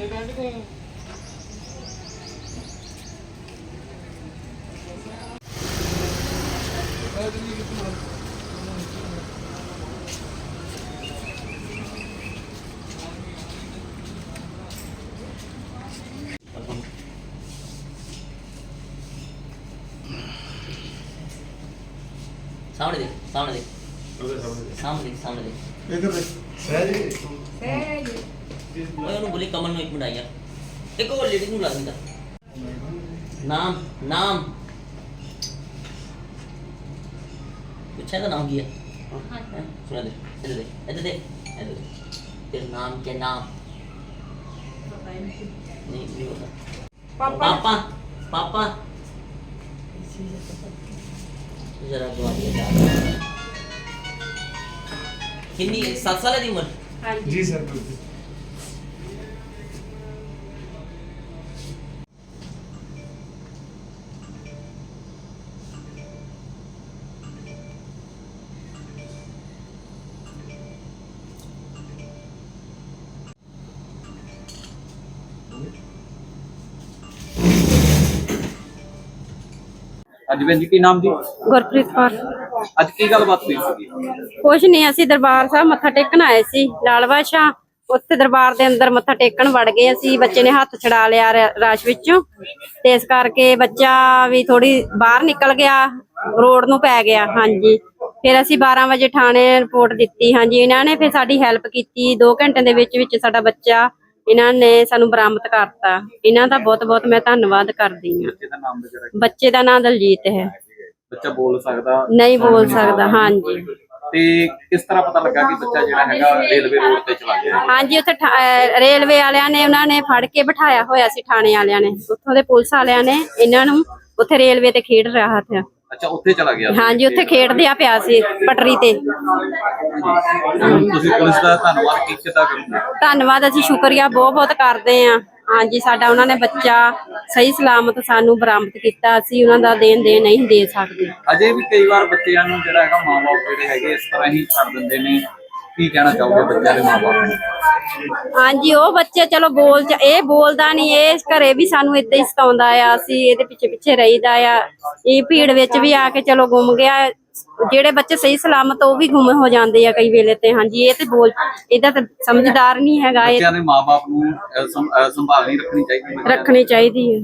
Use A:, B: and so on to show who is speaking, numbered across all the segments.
A: सामने देख, सामने देख, सामने देख, सामने देख।
B: इधर देख। सहज
A: ओए ਉਹਨੂੰ ਬੋਲੀ ਕਮਲ ਨੂੰ 1 ਮਿੰਟ ਆਇਆ। ਇੱਕ ਹੋਰ ਲੇਡੀ ਨੂੰ ਲਾ ਦਿੰਦਾ। ਨਾਮ ਨਾਮ ਪੁੱਛਿਆ ਤਾਂ ਨਾਮ ਕੀ ਹੈ? ਹਾਂ ਸੁਣਾ ਦੇ ਇੱਧਰ ਦੇ ਇੱਧਰ ਦੇ ਇੱਧਰ ਦੇ। ਤੇਰਾ ਨਾਮ क्या नाम? नहीं होता। पापा पापा जरा दुआ दिया। कितनी 7 साल की उम्र?
B: जी सर बिल्कुल।
C: ਅੱਜ ਭੈਣ ਜੀ ਕੀ ਨਾਮ ਜੀ?
D: ਗੁਰਪ੍ਰੀਤ ਕੌਰ।
C: ਅੱਜ ਕੀ ਗੱਲਬਾਤ ਹੋਈ ਸੀਗੀ?
D: ਕੁਛ ਨਹੀਂ, ਅਸੀਂ ਦਰਬਾਰ ਸਾਹਿਬ ਮੱਥਾ ਟੇਕਣ ਆਏ ਸੀ ਲਾਲ ਬਾਦਸ਼ਾਹ। ਉੱਥੇ ਦਰਬਾਰ ਦੇ ਅੰਦਰ ਮੱਥਾ ਟੇਕਣ ਵੜ ਗਏ ਅਸੀਂ। ਬੱਚੇ ਨੇ ਹੱਥ ਛਡਾ ਲਿਆ ਰਸ਼ ਵਿੱਚੋਂ, ਤੇ ਇਸ ਕਰਕੇ ਬੱਚਾ ਵੀ ਥੋੜੀ ਬਾਹਰ ਨਿਕਲ ਗਿਆ, ਰੋਡ ਨੂੰ ਪੈ ਗਿਆ। ਹਾਂਜੀ, ਫਿਰ ਅਸੀਂ 12 ਵਜੇ ਥਾਣੇ ਰਿਪੋਰਟ ਦਿੱਤੀ। ਹਾਂਜੀ, ਇਹਨਾਂ ਨੇ ਫਿਰ ਸਾਡੀ ਹੈਲਪ ਕੀਤੀ। 2 ਘੰਟੇ ਦੇ ਵਿੱਚ ਸਾਡਾ ਬੱਚਾ ਇਹਨਾਂ ਨੇ ਸਾਨੂੰ ਬਰਾਮਦ ਕਰਤਾ। ਇਹਨਾਂ ਦਾ ਬਹੁਤ ਬਹੁਤ ਮੈਂ ਧੰਨਵਾਦ ਕਰਦੀ ਹਾਂ।
C: ਬੱਚੇ ਦਾ ਨਾਮ ਵਗੈਰਾ?
D: ਬੱਚੇ ਦਾ ਨਾਮ ਦਲਜੀਤ ਹੈ।
C: ਬੱਚਾ ਬੋਲ ਸਕਦਾ?
D: ਨਹੀਂ ਬੋਲ ਸਕਦਾ। ਹਾਂਜੀ।
C: ਤੇ ਕਿਸ ਤਰ੍ਹਾਂ ਪਤਾ ਲੱਗਾ ਕਿ ਬੱਚਾ ਜਿਹੜਾ ਹੈਗਾ ਰੇਲਵੇ ਰੋਡ ਤੇ ਚਲਾ ਗਿਆ?
D: ਹਾਂਜੀ, ਉੱਥੇ ਰੇਲਵੇ ਵਾਲਿਆਂ ਨੇ ਉਹਨਾਂ ਨੇ ਫੜ ਕੇ ਬਿਠਾਇਆ ਹੋਇਆ ਸੀ। ਥਾਣੇ ਵਾਲਿਆਂ ਨੇ, ਉੱਥੋਂ ਦੇ ਪੁਲਿਸ ਵਾਲਿਆਂ ਨੇ ਇਹਨਾਂ ਨੂੰ ਉੱਥੇ ਰੇਲਵੇ ਤੇ ਖੇਡ ਰਿਹਾ ਸੀ।
C: ਅੱਛਾ, ਉੱਥੇ ਚਲਾ ਗਿਆ?
D: ਹਾਂਜੀ, ਉੱਥੇ ਖੇਡਦਿਆ ਪਿਆ ਸੀ ਪਟਰੀ ਤੇ।
C: ਤੁਸੀਂ ਪੁਲਿਸ ਦਾ ਧੰਨਵਾਦ ਕਿੱਦਾਂ ਕਰੋਗੇ?
D: ਧੰਨਵਾਦ ਅਸੀਂ ਸ਼ੁਕਰੀਆ ਬਹੁਤ ਬਹੁਤ ਕਰਦੇ ਹਾਂ। ਹਾਂਜੀ, ਸਾਡਾ ਉਹਨਾਂ ਨੇ ਬੱਚਾ ਸਹੀ ਸਲਾਮਤ ਸਾਨੂੰ ਬਰਾਮਦ ਕੀਤਾ। ਅਸੀਂ ਉਹਨਾਂ ਦਾ ਦੇਣ ਨਹੀਂ ਦੇ ਸਕਦੇ।
C: ਅਜੇ ਵੀ ਕਈ ਵਾਰ ਬੱਚਿਆਂ ਨੂੰ ਜਿਹੜਾ ਹੈਗਾ ਮਾਂ-ਬਾਪ ਜਿਹੜੇ ਹੈਗੇ ਇਸ ਤਰ੍ਹਾਂ ਹੀ ਛੱਡ ਦਿੰਦੇ ਨੇ। ਕੀ ਕਹਿਣਾ ਚਾਹੋਗੇ ਬੱਚਿਆਂ ਦੇ ਮਾਂ-ਬਾਪ ਨੂੰ?
D: ਹਾਂਜੀ, ਉਹ ਬੱਚੇ ਚਲੋ ਇਹ ਬੋਲਦਾ ਨਹੀਂ, ਇਹ ਘਰੇ ਵੀ ਸਾਨੂੰ ਏਦਾਂ ਹੀ ਸਤਾਉਂਦਾ ਆ। ਅਸੀਂ ਇਹਦੇ ਪਿੱਛੇ ਪਿੱਛੇ ਰਹੀਦਾ ਆ। ਇਹ ਭੀੜ ਵਿੱਚ ਵੀ ਆ ਕੇ ਚਲੋ ਗੁੰਮ ਗਿਆ। ਜਿਹੜੇ ਬੱਚੇ ਸਹੀ ਸਲਾਮਤ ਉਹ ਵੀ ਗੁੰਮ ਹੋ ਜਾਂਦੇ ਆ ਕਈ ਵੇਲੇ ਤੇ। ਹਾਂਜੀ, ਇਹ ਤੇ ਇਹਦਾ ਤਾਂ ਸਮਝਦਾਰ ਨਹੀਂ ਹੈਗਾ। ਇਹ
C: ਬੱਚਿਆਂ ਦੇ ਮਾਂ-ਬਾਪ ਨੂੰ ਸੰਭਾਲ ਨਹੀਂ ਰੱਖਣੀ ਚਾਹੀਦੀ?
D: ਰੱਖਣੀ ਚਾਹੀਦੀ ਹੈ।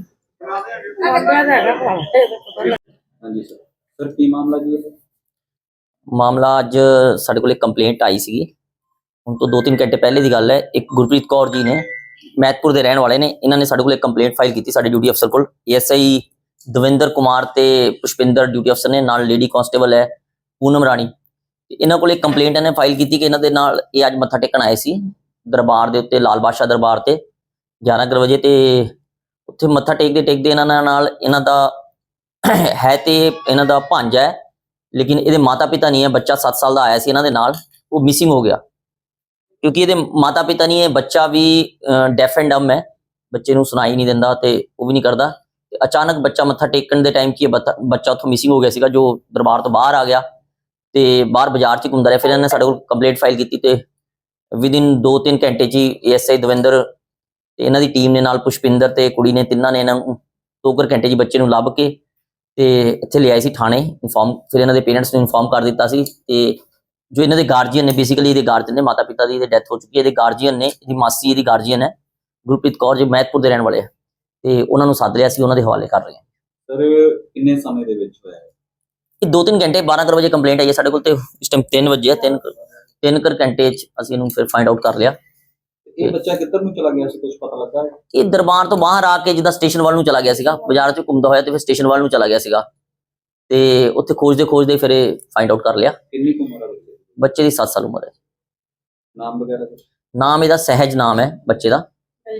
C: ਹਾਂਜੀ ਸਰ, ਕੀ ਮਾਮਲਾ ਜੀ ਇਹ?
A: ਮਾਮਲਾ ਅੱਜ ਸਾਡੇ ਕੋਲ ਇੱਕ ਕੰਪਲੇਂਟ ਆਈ ਸੀਗੀ। ਹੁਣ ਤੋਂ 2-3 ਘੰਟੇ ਪਹਿਲੇ ਦੀ ਗੱਲ ਹੈ। ਇੱਕ ਗੁਰਪ੍ਰੀਤ ਕੌਰ ਜੀ ਨੇ, ਮਹਿਤਪੁਰ ਦੇ ਰਹਿਣ ਵਾਲੇ ਨੇ, ਇਹਨਾਂ ਨੇ ਸਾਡੇ ਕੋਲ ਇੱਕ ਕੰਪਲੇਂਟ ਫਾਈਲ ਕੀਤੀ ਸਾਡੇ ਡਿਊਟੀ ਅਫਸਰ ਕੋਲ। ਐਸਆਈ ਦਵਿੰਦਰ ਕੁਮਾਰ ਤੇ ਪੁਸ਼ਪਿੰਦਰ ਡਿਊਟੀ ਅਫਸਰ ਨੇ, ਨਾਲ ਲੇਡੀ ਕਾਂਸਟੇਬਲ ਹੈ ਪੂਨਮ ਰਾਣੀ। ਇਹਨਾਂ ਕੋਲ ਇੱਕ ਕੰਪਲੇਂਟ ਇਹਨੇ ਫਾਈਲ ਕੀਤੀ ਕਿ ਇਹਨਾਂ ਦੇ ਨਾਲ ਇਹ ਅੱਜ ਮੱਥਾ ਟੇਕਣ ਆਏ ਸੀ ਦਰਬਾਰ ਦੇ ਉੱਤੇ, ਲਾਲ ਬਾਦਸ਼ਾਹ ਦਰਬਾਰ ਤੇ 11 ਵਜੇ। ਤੇ ਉੱਥੇ ਮੱਥਾ ਟੇਕਦੇ ਇਹਨਾਂ ਨਾਲ ਇਹਨਾਂ ਦਾ ਹੈ ਤੇ ਇਹਨਾਂ ਦਾ ਭਾਂਜਾ ਹੈ, ਲੇਕਿਨ ਇਹਦੇ ਮਾਤਾ ਪਿਤਾ ਨਹੀਂ ਹੈ। ਬੱਚਾ 7 ਸਾਲ ਦਾ ਆਇਆ ਸੀ ਇਹਨਾਂ ਦੇ ਨਾਲ, ਉਹ ਮਿਸਿੰਗ ਹੋ ਗਿਆ। ਕਿਉਂਕਿ ਇਹਦੇ ਮਾਤਾ ਪਿਤਾ ਨਹੀਂ ਹੈ, ਬੱਚਾ ਵੀ ਡੈਫ ਐਂਡ ਡੰਮ ਹੈ, ਬੱਚੇ ਨੂੰ ਸੁਣਾਈ ਨਹੀਂ ਦਿੰਦਾ ਤੇ ਉਹ ਵੀ ਨਹੀਂ ਕਰਦਾ। ਤੇ ਅਚਾਨਕ ਬੱਚਾ ਮੱਥਾ ਟੇਕਣ ਦੇ ਟਾਈਮ ਕੀ ਬੱਚਾ ਉੱਥੋਂ ਮਿਸਿੰਗ ਹੋ ਗਿਆ ਸੀਗਾ, ਜੋ ਦਰਬਾਰ ਤੋਂ ਬਾਹਰ ਆ ਗਿਆ ਤੇ ਬਾਹਰ ਬਾਜ਼ਾਰ 'ਚ ਘੁੰਮਦਾ ਰਿਹਾ। ਫਿਰ ਇਹਨਾਂ ਨੇ ਸਾਡੇ ਕੋਲ ਕੰਪਲੇਂਟ ਫਾਈਲ ਕੀਤੀ ਤੇ ਵਿਦਿਨ 2-3 ਘੰਟੇ 'ਚ ਹੀ ਐਸਆਈ ਦਵਿੰਦਰ ਤੇ ਇਹਨਾਂ ਦੀ ਟੀਮ ਨੇ, ਨਾਲ ਪੁਸ਼ਪਿੰਦਰ ਤੇ ਕੁੜੀ ਨੇ, ਤਿੰਨਾਂ ਨੇ ਇਹਨਾਂ ਨੂੰ 2 ਘੰਟੇ 'ਚ ਬੱਚੇ ਨੂੰ ਲੱਭ ਕੇ ਤੇ ਇੱਥੇ ਲਿਆਏ ਸੀ ਥਾਣੇ ਇਨਫੋਰਮ। ਫਿਰ ਇਹਨਾਂ ਦੇ ਪੇਰੈਂਟਸ ਨੂੰ ਇਨਫੋਰਮ ਕਰ ਦਿੱਤਾ ਸੀ। ਤੇ ਜੋ ਇਹਨਾਂ ਦੇ ਗਾਰਜੀਅਨ ਨੇ, ਬੇਸਿਕਲੀ ਇਹਦੇ ਗਾਰਜੀਅਨ ਨੇ, ਮਾਤਾ ਪਿਤਾ ਦੀ ਡੈਥ ਹੋ ਚੁੱਕੀ ਹੈ। ਇਹਦੇ ਗਾਰਜੀਅਨ ਨੇ, ਇਹਦੀ ਮਾਸੀ ਇਹਦੀ ਗਾਰਜੀਅਨ ਹੈ ਗੁਰਪ੍ਰੀਤ ਕੌਰ, ਜੋ ਮਹਿਤਪੁਰ ਦੇ ਰਹਿਣ ਵਾਲੇ ਹੈ। ਤੇ ਉਹਨਾਂ ਨੂੰ ਸੱਦ ਲਿਆ ਸੀ, ਉਹਨਾਂ ਦੇ ਹਵਾਲੇ ਕਰ ਰਹੇ ਹਾਂ।
C: ਸਰ, ਕਿੰਨੇ ਸਮੇਂ ਦੇ ਵਿੱਚ ਹੋਇਆ
A: ਇਹ? 2-3 ਘੰਟੇ, 12 ਵਜੇ ਕੰਪਲੇਂਟ ਆਈ ਹੈ ਸਾਡੇ ਕੋਲ ਤੇ ਇਸ ਟਾਈਮ 3 ਵਜੇ ਹੈ। 3 ਘੰਟੇ 'ਚ ਅਸੀਂ ਇਹਨੂੰ ਫਿਰ ਫਾਈਂਡ ਆਊਟ ਕਰ ਲਿਆ।
C: ਇਹ ਬੱਚਾ ਕਿੱਧਰ ਨੂੰ ਚਲਾ ਗਿਆ ਸੀ, ਕੁਝ ਪਤਾ ਲੱਗਾ?
A: ਇਹ ਦਰਬਾਰ ਤੋਂ ਬਾਹਰ ਆ ਕੇ ਜਿੱਦਾਂ ਸਟੇਸ਼ਨ ਵੱਲ ਨੂੰ ਚਲਾ ਗਿਆ ਸੀਗਾ, ਬਾਜ਼ਾਰ 'ਚ ਘੁੰਮਦਾ ਹੋਇਆ ਤੇ ਫਿਰ ਸਟੇਸ਼ਨ ਵੱਲ ਨੂੰ ਚਲਾ ਗਿਆ ਸੀਗਾ। ਤੇ ਉੱਥੇ ਖੋਜਦੇ ਫਿਰ ਇਹ ਫਾਈਂਡ ਆਊਟ ਕਰ ਲਿਆ।
C: ਕਿੰਨੀ ਉਮਰ ਹੈ
A: ਬੱਚੇ ਦੀ 7 ਸਾਲ ਉਮਰ ਹੈ।
C: ਨਾਮ ਵਗੈਰਾ?
A: ਨਾਮ ਇਹਦਾ ਸਹਿਜ ਨਾਮ ਹੈ ਬੱਚੇ ਦਾ,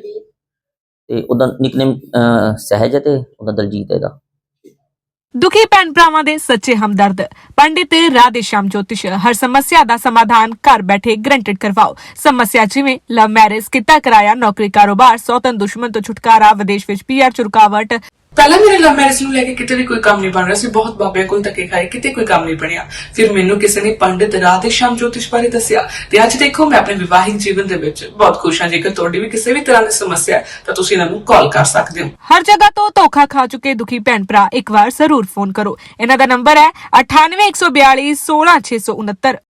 A: ਤੇ ਉਹਦਾ ਨਿਕਨੇਮ ਸਹਿਜ ਹੈ ਤੇ ਉਹਦਾ ਦਲਜੀਤ ਹੈ ਇਹਦਾ।
E: ਦੁਖੀ ਭੈਣ ਭਰਾਵਾਂ ਦੇ ਸੱਚੇ ਹਮਦਰਦ ਪੰਡਿਤ ਰਾਧੇ ਸ਼ਾਮ ਜੋਤਿਸ਼ ਹਰ ਸਮੱਸਿਆ ਦਾ ਸਮਾਧਾਨ ਘਰ ਬੈਠੇ ਗਰੰਟਡ ਕਰਵਾਓ। ਸਮੱਸਿਆ ਜਿਵੇਂ ਲਵ ਮੈਰਿਜ, ਕਿੱਤਾ ਕਿਰਾਇਆ, ਨੌਕਰੀ ਕਾਰੋਬਾਰ, ਸੌਤਨ ਦੁਸ਼ਮਣ ਤੋਂ ਛੁਟਕਾਰਾ, ਵਿਦੇਸ਼ ਵਿੱਚ ਪੀਆਰ ਚ ਰੁਕਾਵਟ,
F: ਪਹਿਲਾਂ ਮੇਰੇ ਲਵ ਮੈਰਿਜ ਨੂੰ ਲੈ ਕੇ ਕਿਤੇ ਵੀ ਕੋਈ ਕੰਮ ਨਹੀਂ ਬਣ ਰਿਹਾ ਸੀ, ਬਹੁਤ ਬਾਬਿਆਂ ਕੋਲ ਧੱਕੇ ਖਾਏ, ਕਿਤੇ ਕੋਈ ਕੰਮ ਨਹੀਂ ਬਣਿਆ। ਫਿਰ ਮੈਨੂੰ ਕਿਸੇ ਨੇ ਪੰਡਿਤ ਰਾਧੇ ਸ਼ਾਮ ਜੋਤਿਸ਼ ਬਾਰੇ ਦੱਸਿਆ ਤੇ ਅੱਜ ਦੇਖੋ ਮੈਂ ਆਪਣੇ ਵਿਵਾਹਿਕ ਜੀਵਨ ਦੇ ਵਿੱਚ ਬਹੁਤ ਖੁਸ਼ ਹਾਂ। ਜੇਕਰ ਤੁਹਾਡੀ ਵੀ ਕਿਸੇ ਵੀ ਤਰ੍ਹਾਂ ਦੀ ਸਮੱਸਿਆ ਹੈ ਤਾਂ ਤੁਸੀਂ ਇਹਨਾਂ ਨੂੰ ਕਾਲ ਕਰ ਸਕਦੇ ਹੋ।
E: ਹਰ ਜਗ੍ਹਾ ਤੋਂ ਧੋਖਾ ਖਾ ਚੁੱਕੇ ਦੁਖੀ ਭੈਣ ਭਰਾ ਇੱਕ ਵਾਰ ਜ਼ਰੂਰ ਫੋਨ ਕਰੋ। ਇਹਨਾਂ ਦਾ ਨੰਬਰ ਹੈ 98 142 16 669।